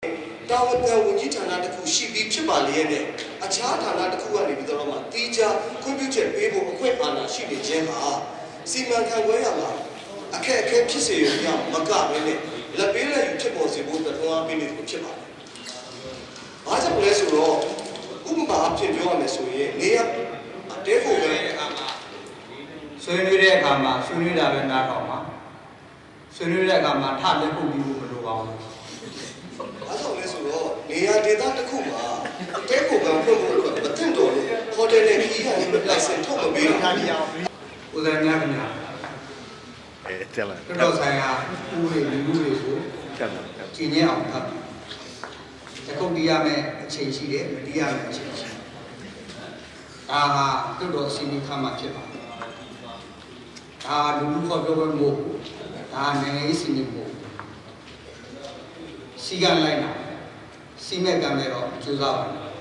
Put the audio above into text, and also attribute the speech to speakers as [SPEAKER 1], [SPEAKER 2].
[SPEAKER 1] တာဝန်ခံဝန်ကြီးဌာနတစ်ခုရှိပြီးဖြစ်ပါလေရဲ့အခြားဌာနတစ်ခုကနေပြီးတော့မှတီးခြားခွင့်ပြုချက်ပေးဖို့အခွင့်အာဏာရှိနေခြင်းဟာစီမံခန့်ခွဲရမှာအခက်အခဲဖြစ်စေရအောင်မကဘဲနဲ့လက်ပေးလက်ယူဖြစ်ပေါ်စေဖို့အတွက်တွန်းအားပေးနေတယ်ဖြစ်ပါတယ်။ဘာကြောင့်လဲဆိုတော့ဥပမာအဖြစ်ပြောရမယ်ဆိုရင်နေရတဲဖို့ပဲအခါမှာ
[SPEAKER 2] ဆွေးနွေးတဲ့အခါမှာဆွေးနွေးတာပဲနားထောင်ပါဆွေးနွေးတဲ့အခါမှာထလက်ဖို့ပြီးဖို့မလိုပါဘူး
[SPEAKER 1] ။ဘာကြောင့်လဲဆိုတော့နေရာဒေသတစ်ခုမှာတဲဖို့ကဖွင့်ဖို့အတွက်မတင်တော်လို့ဟိုတယ်နဲ့ခီးရတယ်လိုက်ဆင်ထုတ်မပေးဘူး။
[SPEAKER 2] ဦးဇင်းများခင်ဗျာ
[SPEAKER 3] တက်လာ
[SPEAKER 2] တော်ဆိုင်ရာဦးတွေလူတွေကို
[SPEAKER 3] တက်လာ
[SPEAKER 2] ကျင့်ရအောင်ဖတ်ပြီးတကုတ်တရားမဲ့အခြေရှိတယ်မတရားမဲ့အခြေရှိဒါဟာတော်စီမီခါမှဖြစ်ပါဒါလူခေါ်ပြောပွဲမို့ဒါနိုင်ငံရေးစီမီမို့စီကလိုက်တာစီမဲ့ကံပဲတော့ကြိုးစားပါ